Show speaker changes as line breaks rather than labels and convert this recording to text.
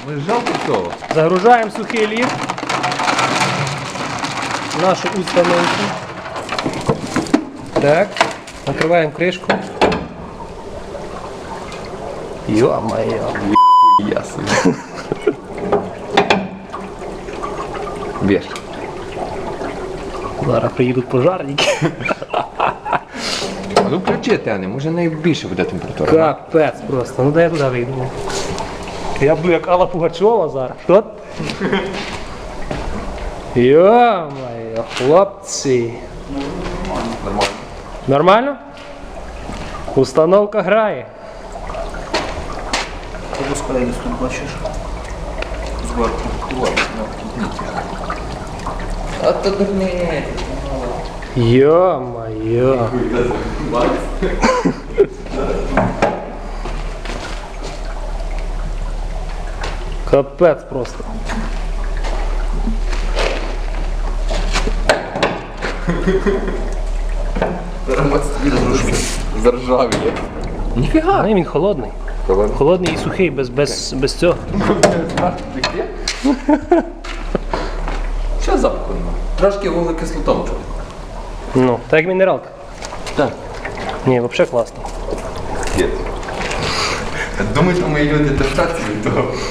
Ми жалко цього.
Загружаємо сухий лід в нашу установку. Так, накриваємо кришку. Йо-моє.
Ясно. Бєш.
Зараз приїдуть пожарники.
А ну включи, Тене, може найбільше буде температура.
Капець просто. Ну дай я туди вийду. Я буду як Алла Пугачова зараз. Що? Йо-моє, хлопці.
Нормально.
Нормально? Установка грає.
Ти розкладай, тут бачиш. Зверху.
А то дурне.
Йо-моє. Капець просто.
Заржавіє. Ніфіга.
Ну, він холодний. Холодний і сухий, без цього.
Що запаху нема? Трошки вуглекислотом чути.
Ну, так як мінералка.
Так.
Ні, взагалі класно.
Думаєте, мої люди держаться від того?